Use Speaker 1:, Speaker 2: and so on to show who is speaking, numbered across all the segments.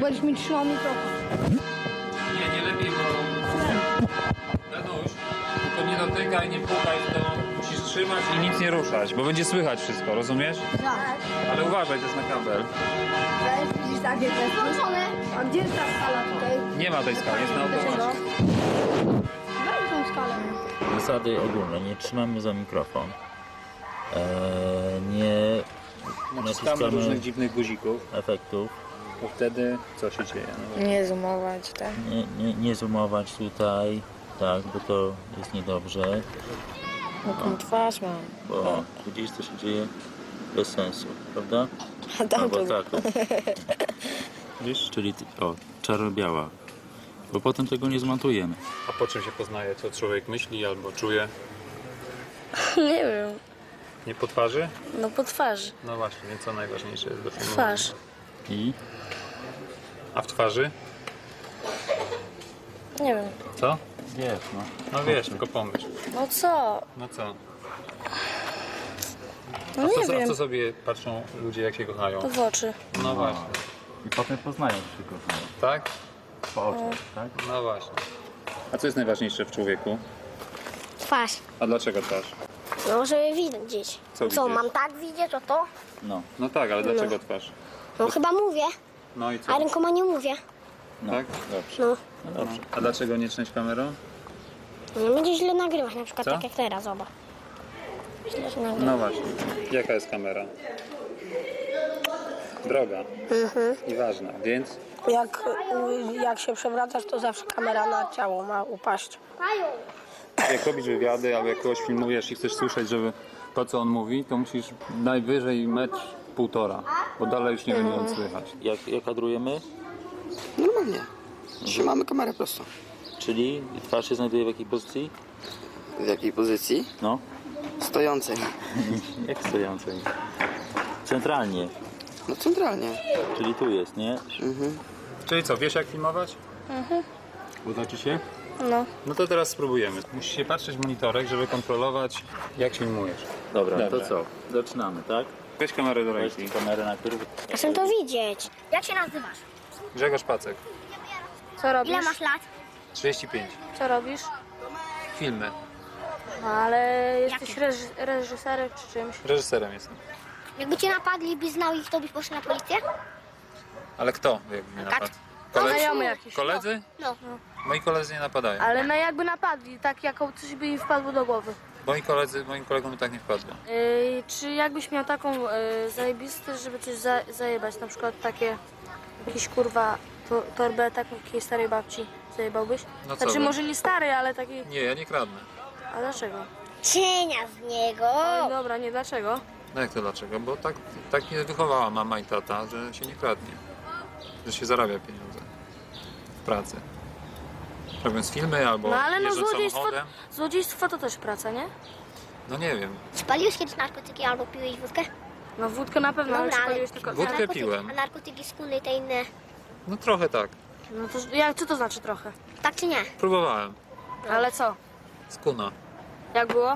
Speaker 1: będziesz mi trzymał mikrofon.
Speaker 2: Nie lepiej, bo... Danuś, tylko nie dotykaj, nie pukaj, to musisz trzymać i nic nie ruszać, bo będzie słychać wszystko, rozumiesz?
Speaker 1: Tak.
Speaker 2: Ale uważaj, to jest na kabel.
Speaker 1: Widzisz takie też. Włączone. A gdzie jest ta skala tutaj?
Speaker 2: Nie ma tej skali, jest na
Speaker 1: Dlaczego?
Speaker 2: automacie.
Speaker 1: Daj tą skalę.
Speaker 3: Zasady ogólne, nie trzymamy za mikrofon. Nie
Speaker 2: Naciskamy różnych dziwnych guzików,
Speaker 3: efektów.
Speaker 2: bo wtedy co się dzieje? No,
Speaker 4: Nie zoomować, tak?
Speaker 3: Nie zoomować tutaj, tak, bo to jest niedobrze.
Speaker 4: Jaką twarz mam.
Speaker 3: Bo widzisz, co się dzieje bez sensu, prawda?
Speaker 4: A tam
Speaker 3: Albo
Speaker 4: to...
Speaker 3: tak. Widzisz? Czyli czarno-biała. Bo potem tego nie zmontujemy.
Speaker 2: A po czym się poznaje, co człowiek myśli albo czuje?
Speaker 4: Nie wiem.
Speaker 2: Nie po twarzy?
Speaker 4: No po twarzy.
Speaker 2: No właśnie, co najważniejsze jest do filmu.
Speaker 4: Twarz.
Speaker 3: I
Speaker 2: A w twarzy?
Speaker 4: Nie wiem.
Speaker 2: Co?
Speaker 3: wiesz, no.
Speaker 2: No wiesz, tylko pomyśl.
Speaker 4: No co?
Speaker 2: No co?
Speaker 4: No
Speaker 2: A
Speaker 4: nie
Speaker 2: co, a
Speaker 4: wiem.
Speaker 2: co sobie patrzą ludzie, jak się kochają?
Speaker 4: W oczy.
Speaker 2: No właśnie.
Speaker 3: I potem poznają się kochają.
Speaker 2: Tak?
Speaker 3: Po oczach, tak?
Speaker 2: No właśnie. A co jest najważniejsze w człowieku?
Speaker 5: Twarz.
Speaker 2: A dlaczego twarz?
Speaker 5: No, żeby widzieć.
Speaker 2: Co
Speaker 5: Co,
Speaker 2: widzieć?
Speaker 5: mam tak widzieć, o to?
Speaker 3: No.
Speaker 2: No tak, ale dlaczego twarz?
Speaker 5: No chyba mówię,
Speaker 2: No i co?
Speaker 5: a rękoma nie mówię.
Speaker 3: No.
Speaker 2: Tak?
Speaker 3: Dobrze.
Speaker 5: No,
Speaker 3: No dobrze.
Speaker 2: A dlaczego nie trzęść kamerą?
Speaker 5: nie będzie źle nagrywać, na przykład
Speaker 2: Co?
Speaker 5: tak jak teraz, zobacz. Źle się nagrywa.
Speaker 2: No właśnie. Jaka jest kamera? Droga. I ważna, więc
Speaker 1: Jak się przewracasz, to zawsze kamera na ciało ma upaść.
Speaker 2: jak robisz wywiady albo jak kogoś filmujesz i chcesz słyszeć, żeby to co on mówi, to musisz najwyżej 1,5 m, bo dalej już nie będzie on słychać.
Speaker 3: Jak kadrujemy?
Speaker 6: Normalnie. Trzymamy kamerę prosto.
Speaker 3: Czyli twarz się znajduje w jakiej pozycji?
Speaker 6: W jakiej pozycji?
Speaker 3: No.
Speaker 6: Stojącej.
Speaker 3: Jak stojącej? Centralnie.
Speaker 6: No centralnie.
Speaker 3: Czyli tu jest, nie?
Speaker 2: Czyli co, wiesz jak filmować? Uda ci się?
Speaker 4: No.
Speaker 2: No to teraz spróbujemy. Musisz się patrzeć w monitorek, żeby kontrolować jak filmujesz.
Speaker 3: Dobra,
Speaker 2: Dobra.
Speaker 3: to co? Zaczynamy, tak?
Speaker 2: Weź kamerę do
Speaker 3: Weź
Speaker 2: ręki.
Speaker 3: kamerę na którym...
Speaker 5: Chcę to widzieć. Jak się nazywasz?
Speaker 2: Grzegorz Pacek,
Speaker 4: Co robisz?
Speaker 5: Ile masz lat?
Speaker 2: 35.
Speaker 4: Co robisz?
Speaker 2: Filmy.
Speaker 4: No ale jesteś reżyserem czy czymś?
Speaker 2: Reżyserem jestem.
Speaker 5: Jakby cię napadli, byś znał ich, to byś poszedł na policję?
Speaker 2: Ale kto jakby mnie napadł?
Speaker 4: Znajomy jakiś.
Speaker 2: Koledzy?
Speaker 5: No.
Speaker 2: Moi koledzy nie napadają.
Speaker 4: Ale no jakby napadli, tak jako coś by im wpadło do głowy.
Speaker 2: Moim kolegom by tak nie wpadło.
Speaker 4: Czy jakbyś miał taką zajebistę, żeby coś zajebać, na przykład takie, jakiś kurwa torbę taką jakiejś starej babci zajebałbyś?
Speaker 2: No co
Speaker 4: Znaczy
Speaker 2: wy?
Speaker 4: może nie starej, ale taki...
Speaker 2: Nie, ja nie kradnę.
Speaker 4: A dlaczego?
Speaker 5: Cienia z niego.
Speaker 4: Oj, dobra, nie dlaczego?
Speaker 2: No jak to dlaczego? Bo tak mnie wychowała mama i tata, że się nie kradnie. Że się zarabia pieniądze w pracy. Robiąc filmy albo
Speaker 4: No ale no
Speaker 2: jeżdżąc samochodem.
Speaker 4: złodziejstwo to też praca, nie?
Speaker 2: No nie wiem.
Speaker 5: Spaliłeś kiedyś narkotyki albo piłeś wódkę?
Speaker 4: No wódkę na pewno, ale
Speaker 5: Dobra,
Speaker 4: czy
Speaker 5: ale-
Speaker 4: paliłeś tylko...
Speaker 2: Wódkę
Speaker 5: narkotyki-
Speaker 2: piłem.
Speaker 5: A narkotyki skóry i te inne,
Speaker 2: No trochę tak.
Speaker 4: No to jak, co to znaczy trochę?
Speaker 5: tak czy nie?
Speaker 2: Próbowałem.
Speaker 4: Ale co?
Speaker 2: Skuna.
Speaker 4: Jak było?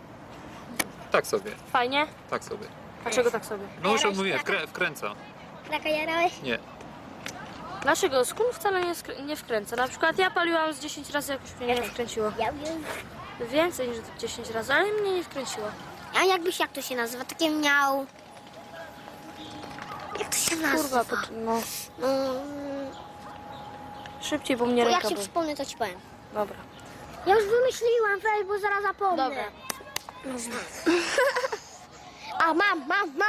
Speaker 2: Tak sobie.
Speaker 4: Fajnie?
Speaker 2: Tak sobie.
Speaker 4: Dlaczego tak sobie?
Speaker 2: No już
Speaker 5: Jarałeś
Speaker 2: odmówiłem.
Speaker 5: kraka?
Speaker 2: Wkręca.
Speaker 5: Kraka jarałeś?
Speaker 2: Nie.
Speaker 4: Dlaczego? Skun wcale nie wkręca. Na przykład ja paliłam z 10 razy, jakoś mnie nie wkręciło. Więcej niż 10 razy, ale mnie nie wkręciło.
Speaker 5: A jakbyś, jak to się nazywa? Takie miał... Jak to się nazywa?
Speaker 4: Kurwa, no.
Speaker 5: Mm,
Speaker 4: Szybciej, bo mnie
Speaker 5: to jak
Speaker 4: ręka
Speaker 5: się
Speaker 4: boli.
Speaker 5: przypomnę, to ci powiem.
Speaker 4: Dobra.
Speaker 5: Ja już wymyśliłam, weź, bo zaraz zapomnę.
Speaker 4: Dobra.
Speaker 5: A mam,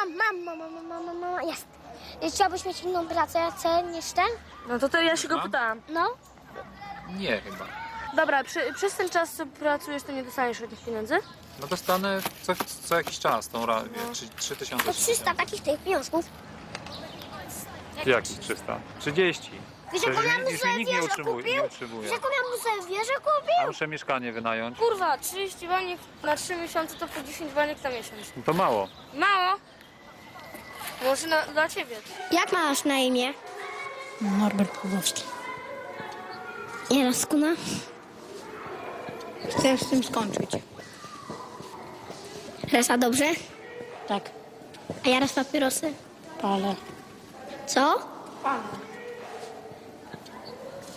Speaker 5: jest. Chciałbyś mieć inną pracę niż ten?
Speaker 4: No to ja się go
Speaker 2: Mam?
Speaker 4: pytałam.
Speaker 5: No.
Speaker 2: Nie chyba.
Speaker 4: Dobra, przez ten czas, co pracujesz, to nie dostaniesz od nich pieniędzy?
Speaker 2: No dostanę co jakiś czas tą
Speaker 4: No.
Speaker 2: 3000.
Speaker 5: To 300 takich tych pieniążków.
Speaker 2: Jaki 300? 30.
Speaker 5: Wiesz, jaką ja bym
Speaker 2: Już
Speaker 5: sobie
Speaker 2: mnie nikt nie
Speaker 5: wieżę
Speaker 2: utrzymuje.
Speaker 5: kupił?
Speaker 2: Nie
Speaker 5: Wiesz,
Speaker 2: utrzymuje.
Speaker 5: jaką ja bym sobie wieżę
Speaker 2: A
Speaker 5: kupił?
Speaker 2: muszę mieszkanie wynająć.
Speaker 4: Kurwa, 30 baniek na 3 miesiące to po 10 baniek na miesiąc.
Speaker 2: No to mało.
Speaker 4: Mało? Może dla ciebie.
Speaker 5: Jak masz na imię?
Speaker 1: Norbert Pawłowski.
Speaker 5: Jara skuna?
Speaker 1: Chcę z tym skończyć.
Speaker 5: Resa dobrze?
Speaker 1: Tak.
Speaker 5: A Jara z papierosy?
Speaker 1: Palę.
Speaker 5: Co?
Speaker 1: Palę.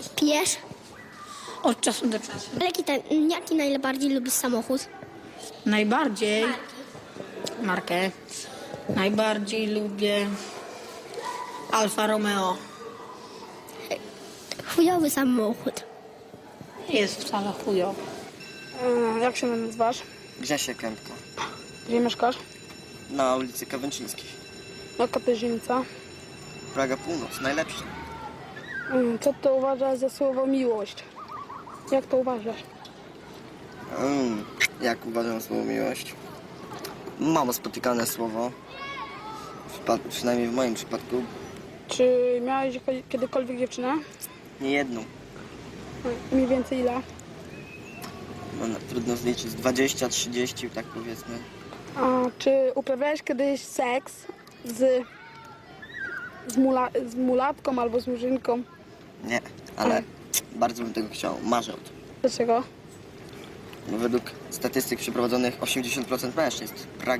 Speaker 5: Pijesz?
Speaker 1: Od czasu do czasu.
Speaker 5: Jaki najbardziej lubisz samochód?
Speaker 1: Najbardziej markę. Najbardziej lubię Alfa Romeo.
Speaker 5: Chujowy samochód.
Speaker 1: Nie jest wcale chujo.
Speaker 4: Jak się nazywasz?
Speaker 6: Grzesiek Kępka.
Speaker 4: Gdzie mieszkasz?
Speaker 6: Na ulicy Kawęczyńskiej.
Speaker 4: Jaka to dzielnica?
Speaker 6: Praga Północ, najlepsza.
Speaker 4: Co to uważasz za słowo miłość? Jak to uważasz?
Speaker 6: Jak uważam słowo miłość? Mało spotykane słowo. Przynajmniej w moim przypadku.
Speaker 4: Czy miałeś kiedykolwiek dziewczynę?
Speaker 6: Nie jedną.
Speaker 4: Mniej więcej ile?
Speaker 6: No, trudno zliczyć. 20, 30, tak powiedzmy.
Speaker 4: A czy uprawiałeś kiedyś seks z mulatką albo z murzynką?
Speaker 6: Nie, ale bardzo bym tego chciał. Marzę o tym.
Speaker 4: Dlaczego?
Speaker 6: No, według statystyk przeprowadzonych 80% mężczyzn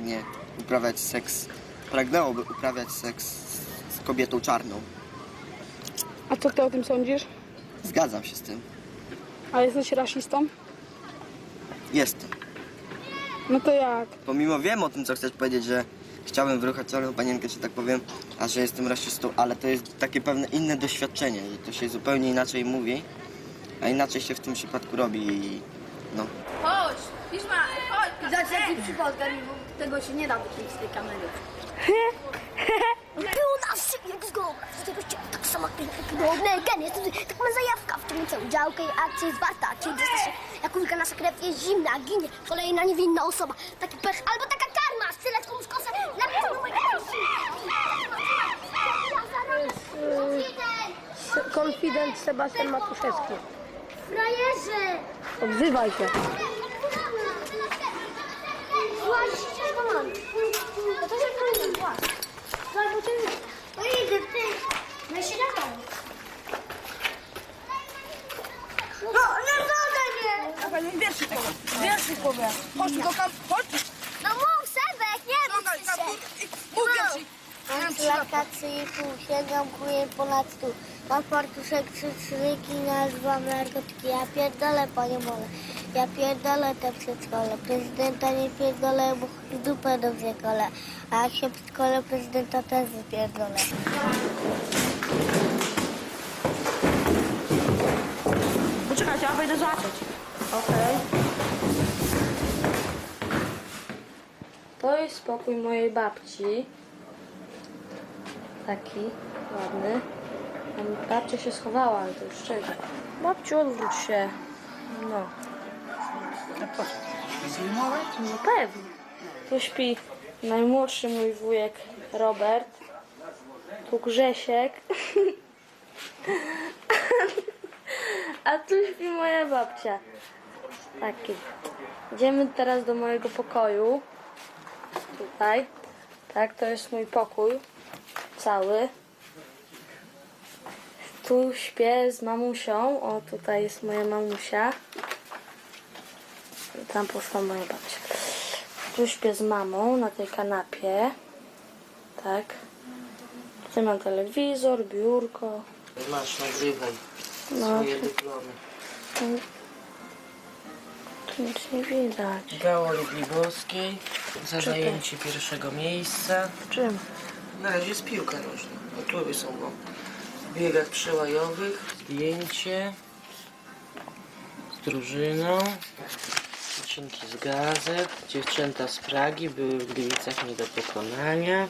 Speaker 6: pragnęłoby uprawiać seks z kobietą czarną.
Speaker 4: A co ty o tym sądzisz?
Speaker 6: Zgadzam się z tym.
Speaker 4: A jesteś rasistą?
Speaker 6: Jestem.
Speaker 4: No to jak?
Speaker 6: Pomimo wiem o tym, co chcesz powiedzieć, że chciałbym wyruchać czarną panienkę, czy tak powiem, a że jestem rasistą, ale to jest takie pewne inne doświadczenie, że to się zupełnie inaczej mówi, a inaczej się w tym przypadku robi i no.
Speaker 7: Chodź, Piszma, chodź. Dać taki przykład, bo tego się nie da wykryć z tej kamery.
Speaker 5: Było na wsi, jak z głowy. Z tego się tak samo jak jest tak ma zajawka w tym całą działkę i akcję jest warta. Czyli dostać się, jak ulga nasza krew jest zimna, ginie kolejna niewinna osoba. Taki pech albo taka karma, strzelać komuś kosę.
Speaker 1: Konfident Sebastian Matuszewski.
Speaker 5: Frajerze!
Speaker 1: Odzywaj się.
Speaker 5: Właśnie, go mam. No to się powiem, właśnie. Albo ty... No idę, ty. No się dawaj. No, nie zadaj mnie!
Speaker 7: Wierszy powiem. Chodź tu do chodź.
Speaker 5: No mów, Sebek, nie bój się.
Speaker 7: Mów wierszyk.
Speaker 5: Mam plakaty i pół, sięgam kuję ponad stół. Mam fartuszek, trzy szyki, nazywam narkotyki. Ja pierdolę, panie mole. Ja pierdolę te przedszkole. Prezydenta nie pierdolę, bo w dupę dobrze kole. A jak się przedszkole prezydenta też wypierdolę.
Speaker 1: Poczekajcie, ja wejdę zobaczyć. Okej.
Speaker 4: To jest spokój mojej babci. Taki ładny. Babcia się schowała, ale to już szczerze. Babciu, odwróć się. No. No pewnie. Tu śpi najmłodszy mój wujek Robert. Tu Grzesiek. A tu śpi moja babcia. Taki. Idziemy teraz do mojego pokoju. Tutaj. Tak, to jest mój pokój. Cały. Tu śpię z mamusią. O, tutaj jest moja mamusia. Tam poszła moja babcia. Tu śpię z mamą na tej kanapie. Tak. Tutaj mam telewizor, biurko.
Speaker 8: Masz, nagrywaj
Speaker 4: No,
Speaker 8: swoje dyplomy.
Speaker 4: tu nic nie widać.
Speaker 8: Gała Lubliborskiej za zajęcie pierwszego miejsca.
Speaker 4: W czym?
Speaker 8: Na razie jest piłka nożna. Tury są w biegach przełajowych. Zdjęcie z drużyną. Odcinki z gazet. Dziewczęta z Pragi były w Gliwicach nie do pokonania.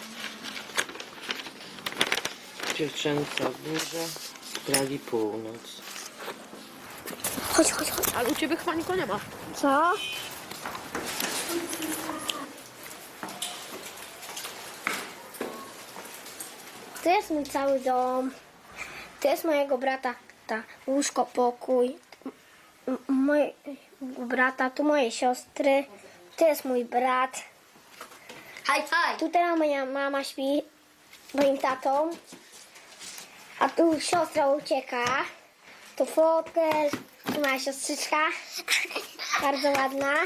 Speaker 8: Dziewczęta burza z Pragi Północ.
Speaker 5: Chodź, chodź, chodź.
Speaker 7: Ale u ciebie chyba nikogo nie ma.
Speaker 5: Co? To jest mój cały dom. To jest mojego brata łóżko, pokój. Mojego brata, tu moje siostry. To jest mój brat.
Speaker 7: Haj, haj.
Speaker 5: Tutaj moja mama śpi z moim tatą. A tu siostra ucieka. Tu fotel. Tu moja siostrzyczka. Bardzo ładna.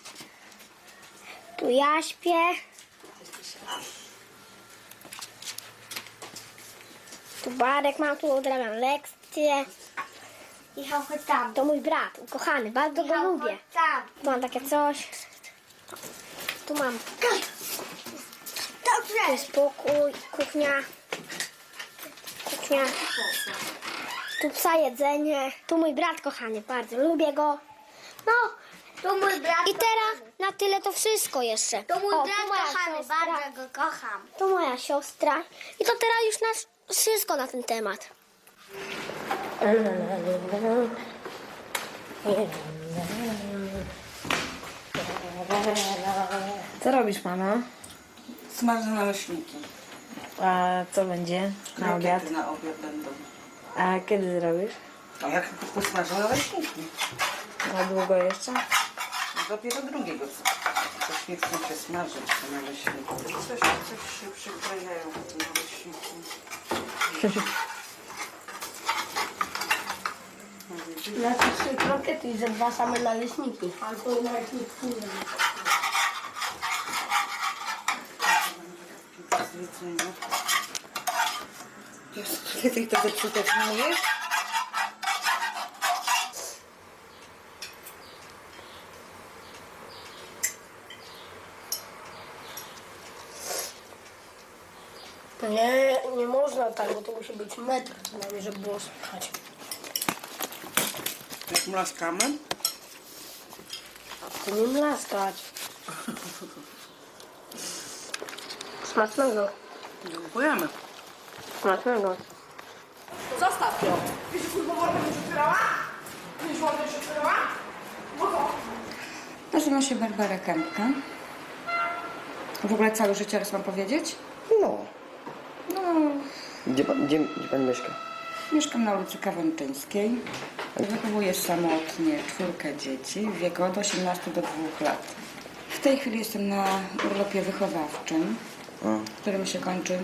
Speaker 5: Tu ja śpię. Tu Barek mam, tu odrabiam lekcje. Michał, chodź tam.
Speaker 9: To mój brat, ukochany, bardzo go
Speaker 5: Michał,
Speaker 9: lubię.
Speaker 5: chodź tam.
Speaker 9: Tu mam takie coś. Tu mam. Tu
Speaker 5: Dobrze.
Speaker 9: jest pokój, kuchnia. Kuchnia. Tu psa jedzenie. Tu mój brat kochany, bardzo lubię go. No
Speaker 5: To mój brat.
Speaker 9: i teraz na tyle to wszystko jeszcze.
Speaker 5: To mój
Speaker 9: O,
Speaker 5: brat
Speaker 9: tu moja
Speaker 5: kochany,
Speaker 9: siostra.
Speaker 5: bardzo go kocham.
Speaker 9: To moja siostra. I to teraz już nasz wszystko na ten temat.
Speaker 10: Co robisz, mama?
Speaker 8: Smażę naleśniki.
Speaker 10: A co będzie na obiad?
Speaker 8: Krokiety na obiad będą.
Speaker 10: A kiedy zrobisz?
Speaker 8: A jak posmażę naleśniki?
Speaker 10: Na długo jeszcze?
Speaker 8: Dopiero drugiego. Coś nie chcę się smażyć, te naleśniki. Coś się przyklejają te naleśniki.
Speaker 1: Znaczy 3 krokiety i ze 2 same naleśniki. Albo naleśniki nie wiem.
Speaker 8: Zlecenia. Kiedy to zepsute jest?
Speaker 1: Nie można tak, bo to musi być metr przynajmniej, żeby było słychać.
Speaker 8: Jak mlaskamy?
Speaker 1: To nie mlaskać. Smacznego.
Speaker 8: Dziękujemy.
Speaker 1: Smacznego.
Speaker 7: Zostaw ją.
Speaker 11: Nazywam się Barbara Kępka. W ogóle całe życie raz mam powiedzieć?
Speaker 6: No. Gdzie pan mieszka?
Speaker 11: Mieszkam na ulicy Kawęczyńskiej. Wychowuję samotnie 4 dzieci w wieku od 18 do 2 lat. W tej chwili jestem na urlopie wychowawczym, który się kończy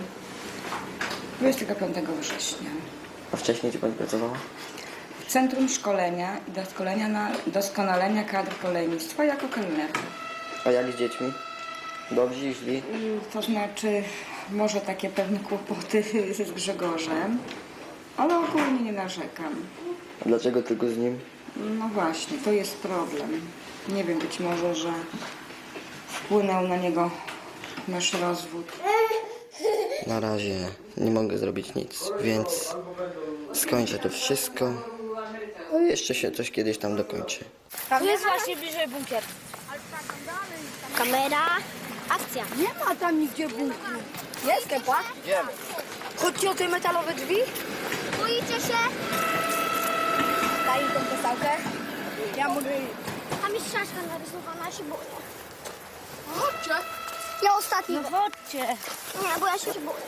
Speaker 11: 25 września.
Speaker 6: A wcześniej gdzie pani pracowała?
Speaker 11: W Centrum Szkolenia i Doskonalenia Kadr Kolejnictwa jako kelnerka.
Speaker 6: A jak z dziećmi? Dobrzy i źli?
Speaker 11: To znaczy, może takie pewne kłopoty z Grzegorzem, ale ogólnie nie narzekam.
Speaker 6: A dlaczego tylko z nim?
Speaker 11: No właśnie, to jest problem. Nie wiem, być może, że wpłynął na niego nasz rozwód.
Speaker 6: Na razie nie mogę zrobić nic, więc skończę to wszystko. A jeszcze się coś kiedyś tam dokończy.
Speaker 4: Tu jest właśnie bliżej bunkier.
Speaker 9: Kamera, akcja.
Speaker 7: Nie ma tam nigdzie bunkru. Jest kepa?
Speaker 6: Idziemy.
Speaker 7: Chodźcie o te metalowe drzwi.
Speaker 5: Boicie się?
Speaker 7: Daj im tą postałkę. Ja mogę...
Speaker 9: Tam jest szaszka narysowana, ja się boję.
Speaker 7: Chodźcie.
Speaker 9: Ja ostatni.
Speaker 4: No chodźcie.
Speaker 9: Nie, bo ja się boję.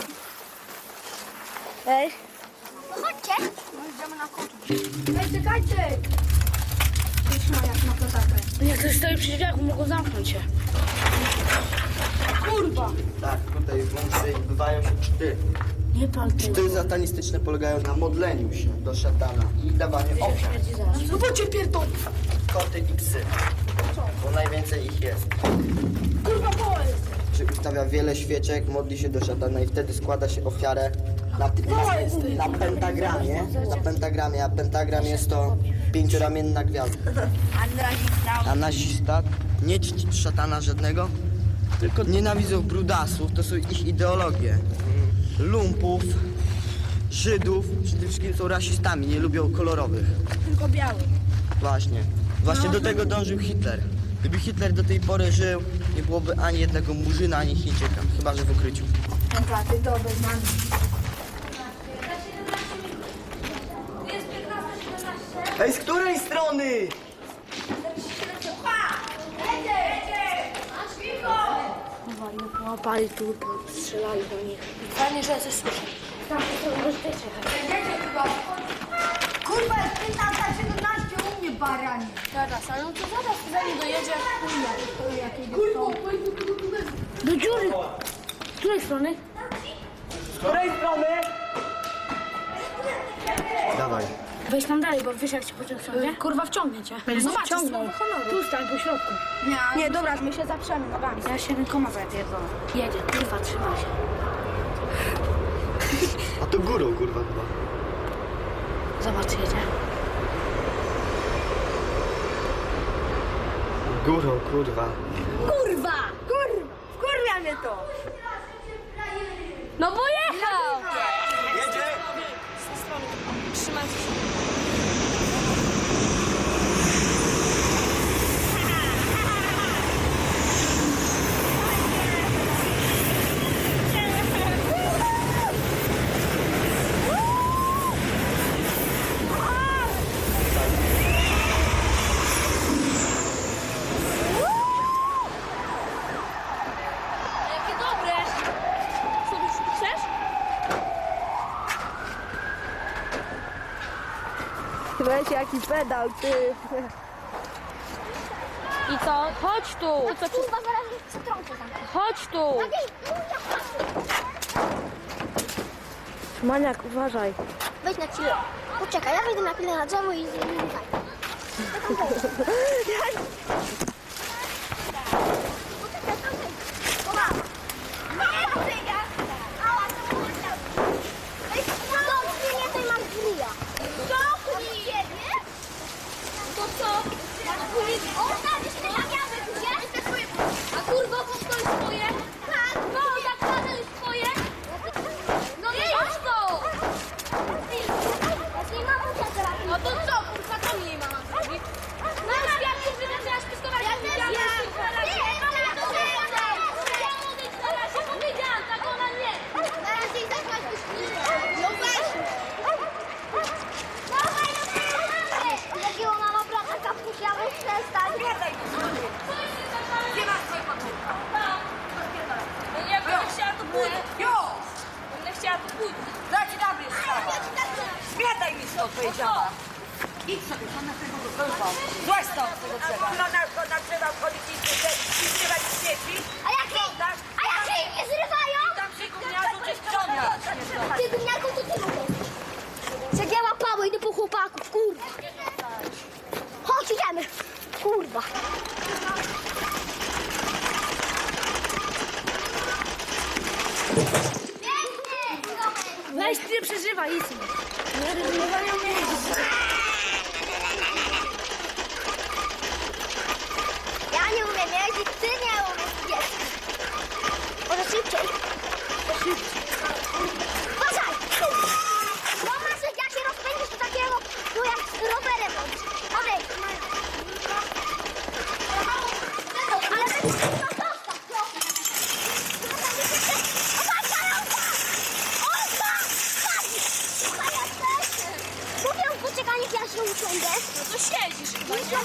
Speaker 4: Ej.
Speaker 9: No chodźcie.
Speaker 7: Ej, czekajcie. Trzymaj jak na plecakach.
Speaker 4: Jak ktoś stoi przy drzwiach, mogą zamknąć się.
Speaker 7: Kurwa.
Speaker 6: Tak, tutaj w bunkrze bywają się czty.
Speaker 4: Nie pan ty.
Speaker 6: Czty satanistyczne polegają na modleniu się do szatana i dawaniu ofiar.
Speaker 7: Zobaczcie pierdol.
Speaker 6: Koty i psy. Bo najwięcej ich jest.
Speaker 7: Kurwa, poła jest.
Speaker 6: Czy ustawia wiele świeczek, modli się do szatana i wtedy składa się ofiarę na pentagramie, a pentagram jest to 5-ramienna gwiazda. A nazista nie czci szatana żadnego, tylko nienawidzą brudasów, to są ich ideologie. Lumpów, Żydów, przede wszystkim są rasistami, nie lubią kolorowych.
Speaker 7: Tylko biały.
Speaker 6: Właśnie do tego dążył Hitler. Gdyby Hitler do tej pory żył, nie byłoby ani jednego Murzyna, ani Chińczyka, chyba że w ukryciu.
Speaker 7: Dobra, ty to bez nami.
Speaker 6: Ej, z której strony?
Speaker 4: Połapali tu, strzelali do nich. Fajnie, że ja coś słyszę. Tam to bezpiecznie.
Speaker 7: Kurwa, jest 15:17 u mnie, baranie.
Speaker 4: Teraz, ale on to zaraz zanim dojedzie.
Speaker 7: Kurwa,
Speaker 4: Do dziury. Z której strony?
Speaker 6: Dawaj.
Speaker 4: Weź tam dalej, bo wiesz jak cię pociąg wciągnie? Kurwa wciągnie cię. Zobacz, tu stań po środku.
Speaker 7: Nie, dobra, my się zaprzemy nogami.
Speaker 4: Ja się rękoma zapierdolę. Jedzie, kurwa, trzyma się.
Speaker 6: A to górą, kurwa, chyba.
Speaker 4: Zobacz, jedzie.
Speaker 6: Górą, kurwa.
Speaker 7: Kurwa! Wkurwia mnie to!
Speaker 4: No bo jechał!
Speaker 6: Jedzie!
Speaker 4: Trzymajcie się. Jakie dobre! Co ty chcesz?
Speaker 1: Weź jaki pedał, ty.
Speaker 4: I co? Chodź tu!
Speaker 9: Kurwa, zaraz mnie przetrącę tam.
Speaker 4: Chodź tu!
Speaker 1: Maniak, uważaj.
Speaker 9: Wejdź na chwilę. Poczekaj, ja wejdę na chwilę na drzewo i zajmę.
Speaker 4: A kurwa, to jest twoje? Tak! No, jak to jest twoje? No nie jest to! No to co, kurwa, to mnie mama zrobi? No już jak już wydarzyłaś pistolet, jak powiedziałam, tak ona nie!
Speaker 9: No weź! Jakiego mama brata kapusia, weź przestań.
Speaker 7: Gdzie masz swoje podwórko?
Speaker 4: Jak będę chciała, to pójdę.
Speaker 7: Jo!
Speaker 4: Będę chciała, to pójdę.
Speaker 7: Daj ci dobry sprawa. Zmiataj mi stąd, powiedziała. Idź sobie, to na tego drzewa. Złaź stąd z tego drzewa. No na drzewa wchodzić i zrywać śmieci.
Speaker 9: A jakie im nie zrywają?
Speaker 7: Tam przy gówniarzu czy ściągać.
Speaker 9: Ty gówniarką to ty mówisz. Cegieła Paweł, idę po chłopaków, kurwa. Chodź, idziemy. Kurwa.
Speaker 4: Weź, ty nie przeżywaj, idź.
Speaker 9: Ja nie umiem jeździć, ty nie umiesz jeździć. Może szybciej. Uważaj! No masz, jak się rozpędzisz do takiego, tu jak z rowerem robisz. Odejdź. Ale ty zostaw, no. Uważaj, Olga! Słuchaj, jesteś. Mówię, poczekaj, niech ja się usiądę.
Speaker 4: No to siedzisz chyba, nie?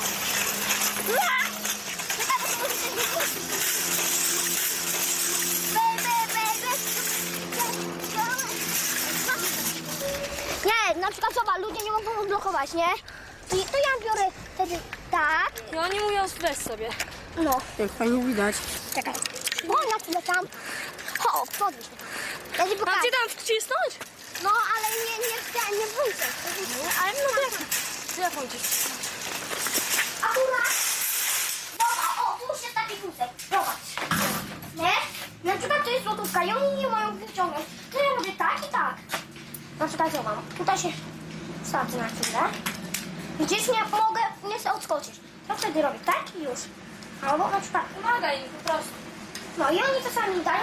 Speaker 4: Nie, na przykład zobacz, ludzie nie mogą odblokować, nie? To ja biorę wtedy tak, I oni mówią, weź sobie.
Speaker 9: no,
Speaker 1: Jak fajnie widać.
Speaker 9: czekaj. Chodź na chwilę tam. Ho, podnieś mnie. Ja ci
Speaker 4: Mam
Speaker 9: pokażę.
Speaker 4: cię tam wcisnąć?
Speaker 9: No, ale nie wrócę.
Speaker 4: Ale no to jak mam cię wcisnąć?
Speaker 9: Akurat. Dobra, o, tu już jest taki wózek. Zobacz. Nie? Na przykład to jest złotówka i oni nie mają wyciągnąć. To ja robię tak i tak. Na przykład zobacz. Tutaj się wsadzę na chwilę. Widzisz, nie chcę odskoczyć. To wtedy robię tak i już. Albo na przykład.
Speaker 4: Pomagaj im po prostu.
Speaker 9: No i oni czasami dają,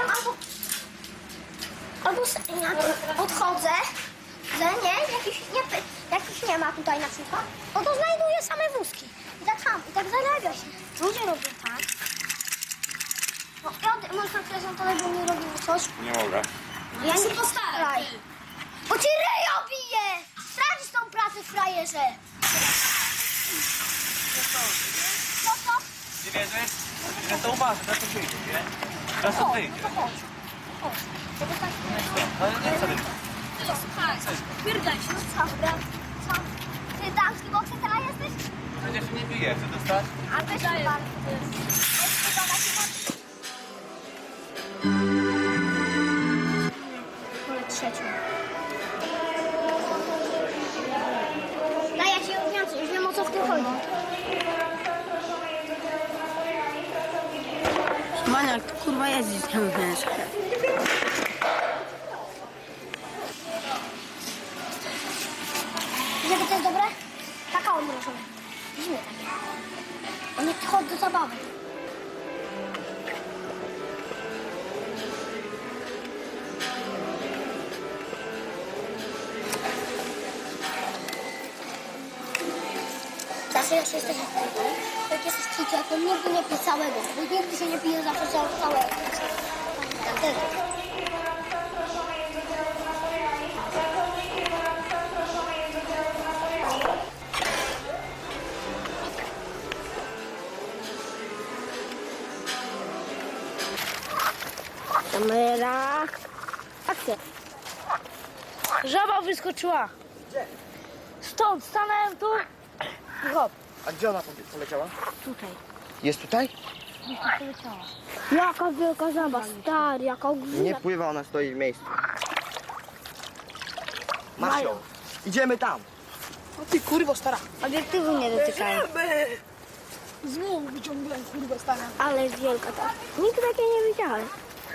Speaker 9: albo odchodzę, że nie, jakiś nie ma tutaj na przykład, no to znajduję same wózki. I tak sam, i tak zarabia się. Ludzie robią tak. No i może prezentować, bo nie robimy coś.
Speaker 2: Nie mogę.
Speaker 9: Ja nie postaraj. Bo ci ryjo bije! Stracisz tą pracę, frajerze. No to?
Speaker 12: Nie wierzysz? Ja to uważam, ja to wyjdzie, nie? Ja to wyjdzie.
Speaker 9: To chodź. Chodź.
Speaker 12: Ale nie chcę.
Speaker 4: Słuchaj, pierdaj się.
Speaker 9: No co? Ty damski bokser jesteś?
Speaker 12: Przecież nie bije, chcę dostać?
Speaker 9: A weź tu pan. Wolę trzecią. Daj, ja ci odniosę, już wiem o co w tym chodzi.
Speaker 1: Maniak, ty kurwa jeździć nie umiesz.
Speaker 9: Żeby to jest dobre? Kakao mrożone. Zimne takie. O nie, Chodź do zabawy. Zawsze jak jesteś jak jesteś dzieciakiem, nigdy nie pij całego, bo nigdy się nie pije zawsze całego. Wtedy. Kamera. Akcja.
Speaker 4: Żaba wyskoczyła. Stąd stanąłem tu. I hop,
Speaker 6: A gdzie ona poleciała?
Speaker 4: tutaj.
Speaker 6: Jest tutaj?
Speaker 4: Poleciała.
Speaker 9: Jaka wielka żaba, stary, jaka ogromna.
Speaker 6: Nie pływa, ona stoi w miejscu. Masz ją. Idziemy tam.
Speaker 1: O ty kurwo stara.
Speaker 9: Obiektywu nie dotykają.
Speaker 1: Znowu wyciągnąłem kurwa stara.
Speaker 9: Ale jest wielka ta. Nigdy takiej nie widziałem.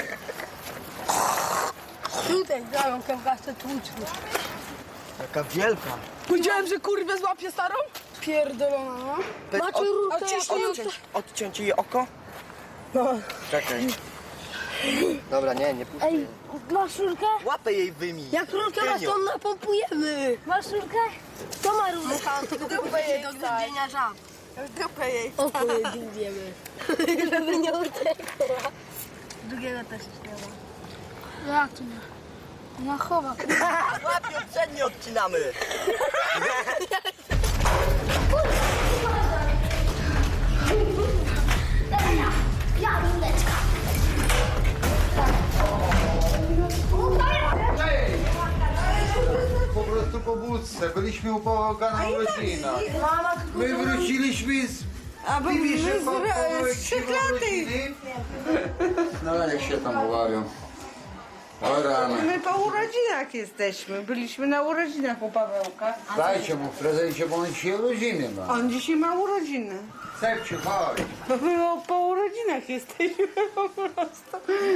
Speaker 1: Tutaj grają kępaste tłuczki.
Speaker 6: Jaka wielka.
Speaker 1: Powiedziałem, że kurwę złapię starą? Pierdolona, no. Macie rurkę
Speaker 6: Odciąć jej oko? No. Czekaj. Dobra, nie puszczę jej.
Speaker 4: Masz rurkę?
Speaker 6: Łapę jej wyjmij.
Speaker 1: Jak rurkę raz to napompujemy.
Speaker 4: Masz rurkę?
Speaker 1: To ma rurkę. Dupę jej do zgubienia żab. Dupę jej. Oko jej dłubiemy. Żeby nie uciekła. Drugiego też nie ma.
Speaker 4: Jak to nie? Ona chowa.
Speaker 6: Łapią, przednie odcinamy.
Speaker 9: Ja, rundeczka.
Speaker 13: Po prostu po wódce. Byliśmy u Pawełka na urodzinach. My wróciliśmy z Bibiszem po urodziny. No jak się tam uwarią. O rany.
Speaker 11: My po urodzinach jesteśmy. Byliśmy na urodzinach u Pawełka.
Speaker 13: Dajcie mu w prezencie, bo on dzisiaj urodziny ma.
Speaker 11: On dzisiaj ma urodziny.
Speaker 13: Sepciu, chodź.
Speaker 11: My po urodzinach jesteśmy po prostu.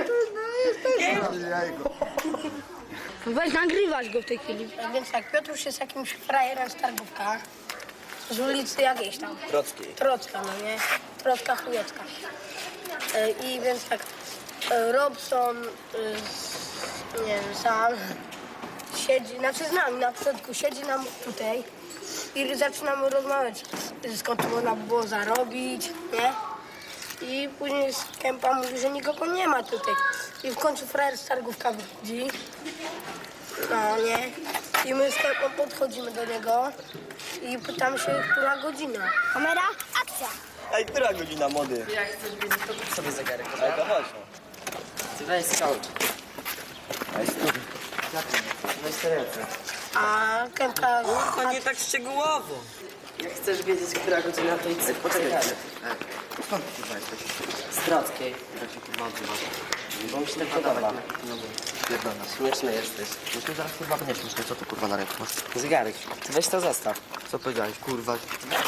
Speaker 13: Jajko.
Speaker 1: Weź nagrywać go w tej chwili. Więc tak, Piotruś jest jakimś frajerem z targówka. Z ulicy jakiejś tam.
Speaker 6: Trockiej.
Speaker 1: Trocka, no nie? Trocka chujecka. I więc tak, Robson, nie wiem, sam siedzi, znaczy z nami na początku, siedzi nam tutaj i zaczynamy rozmawiać, skąd można by było zarobić, nie? I później z Kępa mówi, że nikogo nie ma tutaj. I w końcu frajer z targówka wychodzi. No nie? I my z Kępą podchodzimy do niego i pytamy się, która godzina.
Speaker 9: Kamera, akcja.
Speaker 6: Ej, która godzina, młody?
Speaker 8: Jak chcesz wiedzieć, to kup sobie zegarek.
Speaker 6: Ej, to chodź.
Speaker 8: Ty weź skałcz.
Speaker 6: Ej, stój.
Speaker 8: Weź te ręce.
Speaker 1: A Kępka...
Speaker 8: To nie tak szczegółowo. Jak chcesz wiedzieć, która godzina, to idź sobie po zegarek.
Speaker 6: Skąd ty kurwa jesteś?
Speaker 8: Z Trockiej.
Speaker 6: Jak się kurwa odzywasz?
Speaker 8: Bo mi się tak podoba.
Speaker 6: Pierdolona.
Speaker 8: Śmieszny jesteś.
Speaker 6: Już mi zaraz kurwa nie śmieszne, co ty kurwa na ręku masz?
Speaker 8: Zegarek. Ty weź to zostaw.
Speaker 6: Co powiedziałeś, kurwa?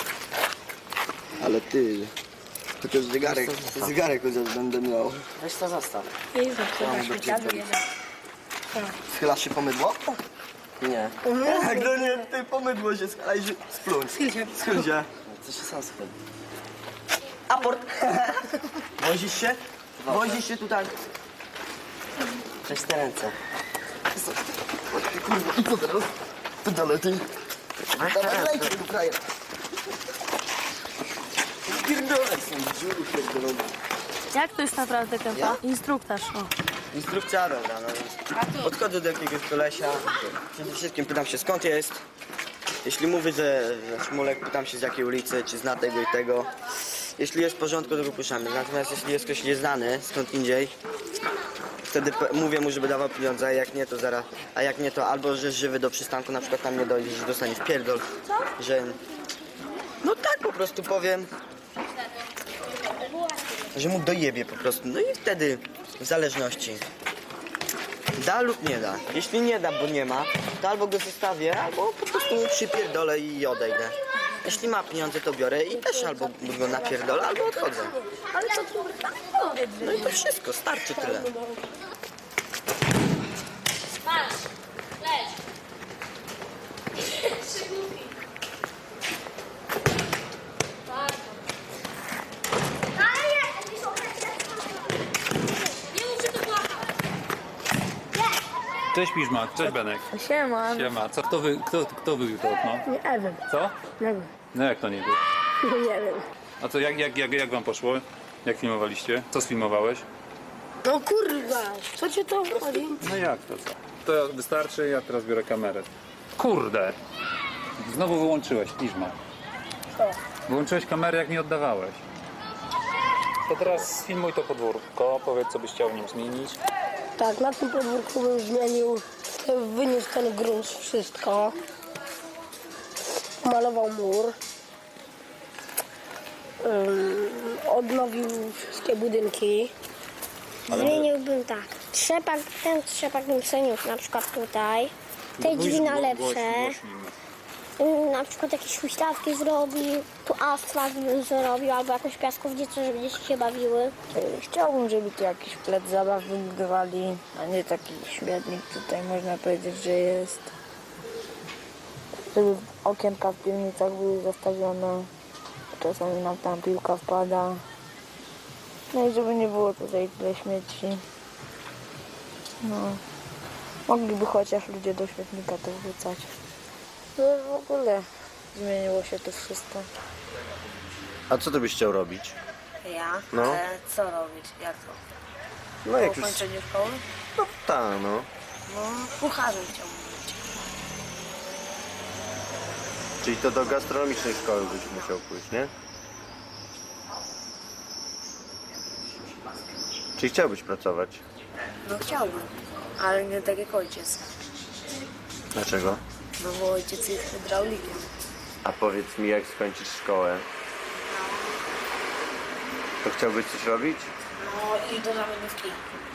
Speaker 6: Ale ty... Chociaż zegarek chociaż będę miał.
Speaker 8: Weź to zostaw.
Speaker 1: Jezu, chyba śmieciarzu jeden.
Speaker 6: Schylasz się po mydło?
Speaker 8: Nie.
Speaker 6: Jak to nie, ty po mydło się schalaj, splunć. Schyl się.
Speaker 8: To się sam schyli.
Speaker 6: Aport. Wozisz się? Wozisz się tutaj.
Speaker 8: Weź te ręce.
Speaker 6: Kurwa, i co teraz? Pedale ty. Dawaj, lejcie tu frajer. Pierdolę są dziury pierdolone.
Speaker 4: Jak to jest naprawdę Kępa?
Speaker 6: Ja?
Speaker 4: Instruktaż, o.
Speaker 6: Instrukcja, dobra, no. Podchodzę do jakiegoś kolesia. Przede wszystkim pytam się, skąd jest. Jeśli mówi, że Szmulek, pytam się z jakiej ulicy, czy zna tego i tego. Jeśli jest w porządku, to go puszczamy. Natomiast jeśli jest ktoś nieznany, skąd indziej, wtedy mówię mu, żeby dawał pieniądze, a jak nie, to zaraz. A jak nie, to albo że żywy do przystanku, na przykład tam nie dojdzie, że dostanie w pierdol. Że... No tak po prostu powiem. Że mu dojebie po prostu. No i wtedy w zależności. Da lub nie da. Jeśli nie da, bo nie ma, to albo go zostawię, albo po prostu mu przypierdolę i odejdę. Jeśli ma pieniądze, to biorę i też albo go napierdolę, albo odchodzę.
Speaker 1: Ale co tu
Speaker 6: No i to wszystko, starczy tyle.
Speaker 4: Patrz, leć.
Speaker 2: Cześć Piżmak, cześć Benek.
Speaker 10: Siema.
Speaker 2: Siema. Co, kto wybił to okno?
Speaker 1: Nie wiem.
Speaker 2: Co?
Speaker 1: Nie wiem.
Speaker 2: No jak to nie był?
Speaker 1: Nie wiem.
Speaker 2: A co, jak wam poszło? Jak filmowaliście? Co sfilmowałeś?
Speaker 1: No kurwa, co cię to chodzi?
Speaker 2: No jak to co? To wystarczy, ja teraz biorę kamerę. Kurde! Znowu wyłączyłeś, Piżmak.
Speaker 1: Co?
Speaker 2: Wyłączyłeś kamerę, jak nie oddawałeś. To teraz sfilmuj to podwórko, powiedz co byś chciał w nim zmienić.
Speaker 1: Tak, na tym podwórku bym zmienił, wyniósł ten grunt, wszystko. Malował mur. Odnowił wszystkie budynki.
Speaker 9: Zmieniłbym tak. Ten trzepak bym przeniósł na przykład tutaj. Te drzwi na lepsze. Na przykład jakieś huśtawki zrobił. Tu asfalt bym zrobił albo jakąś piaskownicę, żeby dzieci się bawiły.
Speaker 10: Chciałbym, żeby tu jakiś plac zabaw wybudowali, a nie taki śmietnik tutaj można powiedzieć, że jest. Żeby okienka w piwnicach były zastawione. Czasami nam tam piłka wpada. No i żeby nie było tutaj tyle śmieci. No. Mogliby chociaż ludzie do śmietnika to wrzucać. No w ogóle zmieniło się to wszystko.
Speaker 14: A co ty byś chciał robić?
Speaker 10: Ja?
Speaker 14: No.
Speaker 10: Co robić? Jak to?
Speaker 14: No jak
Speaker 10: Po
Speaker 14: już...
Speaker 10: ukończeniu szkoły?
Speaker 14: No tak, no.
Speaker 10: No, kucharzem chciałbym być.
Speaker 14: Czyli to do gastronomicznej szkoły byś musiał pójść, nie? Czyli chciałbyś pracować?
Speaker 10: No chciałbym, ale nie tak jak ojciec.
Speaker 14: Dlaczego?
Speaker 10: No bo ojciec jest hydraulikiem.
Speaker 14: A powiedz mi, jak skończysz szkołę, to chciałbyś coś robić?
Speaker 10: No i do zawodówki.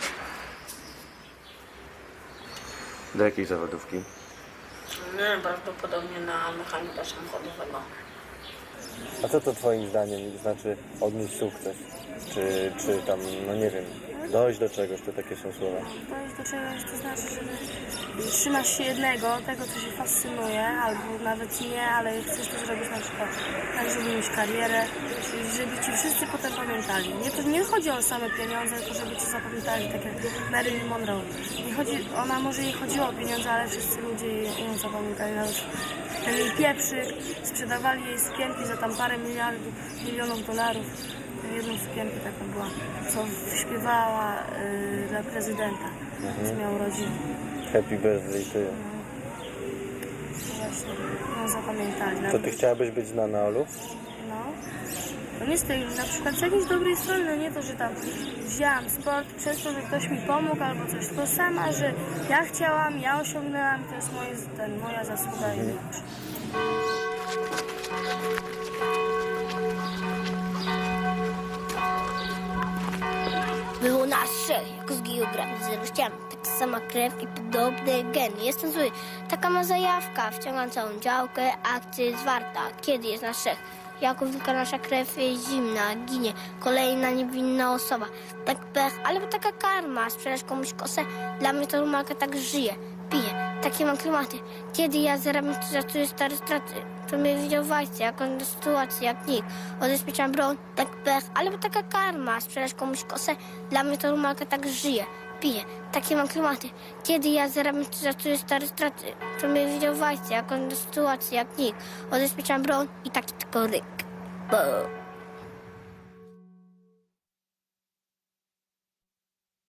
Speaker 14: Do jakiej zawodówki?
Speaker 10: No, prawdopodobnie na mechanika samochodowego.
Speaker 14: A co to twoim zdaniem znaczy odnieść sukces? Czy tam, no nie wiem, dojść do czegoś, to takie są słowa?
Speaker 4: Dojść do czegoś to znaczy, że trzymasz się jednego, tego co się fascynuje, albo nawet nie, ale chcesz to zrobić na przykład tak, żeby mieć karierę, żeby ci wszyscy potem pamiętali. Nie chodzi o same pieniądze, tylko żeby cię zapamiętali, tak jak Marilyn Monroe. Może jej chodziło o pieniądze, ale wszyscy ludzie ją zapamiętali. Nawet ten jej pieprzyk, sprzedawali jej sukienki za tam parę milionów dolarów. Jedną sukienkę taką była, co śpiewała dla prezydenta, co miał rodzinę.
Speaker 14: Happy birthday to you.
Speaker 4: Właśnie, ją zapamiętali.
Speaker 14: To ty chciałabyś być znana, Olu?
Speaker 4: No. To nie z tej, na przykład z jakiejś dobrej strony, no nie to, że tam wzięłam sport przez to, że ktoś mi pomógł albo coś, tylko sama, że ja chciałam, ja osiągnęłam, to jest moja zasługa i większa.
Speaker 9: Było nas trzech, jako z geografii, zero ścian. Taka sama krew i podobne geny. Jestem zły. Taka ma zajawka. Wciągam całą działkę, akcja jest warta. Kiedy jest nas trzech? Jako wilka nasza krew jest zimna, ginie. Kolejna niewinna osoba. Tak pech, ale taka karma. Sprzedać komuś kosę? Dla mnie to rumalka tak żyje. Pije. Takie mam klimaty. Kiedy ja zarabiam, to szacuję stare straty. To mnie widział w akcji, jaką do sytuacji, jak nikt. Odezpieczam broń, tak pech, ale taka karma. Sprzedać komuś kosę? Dla mnie to rumalka tak żyje. Pije. Takie mam klimaty. Kiedy ja zarabiam, to szacuję stare straty. To mnie widział w akcji, jaką do sytuacji, jak nikt. Odezpieczam broń i taki tylko ryk. Bo.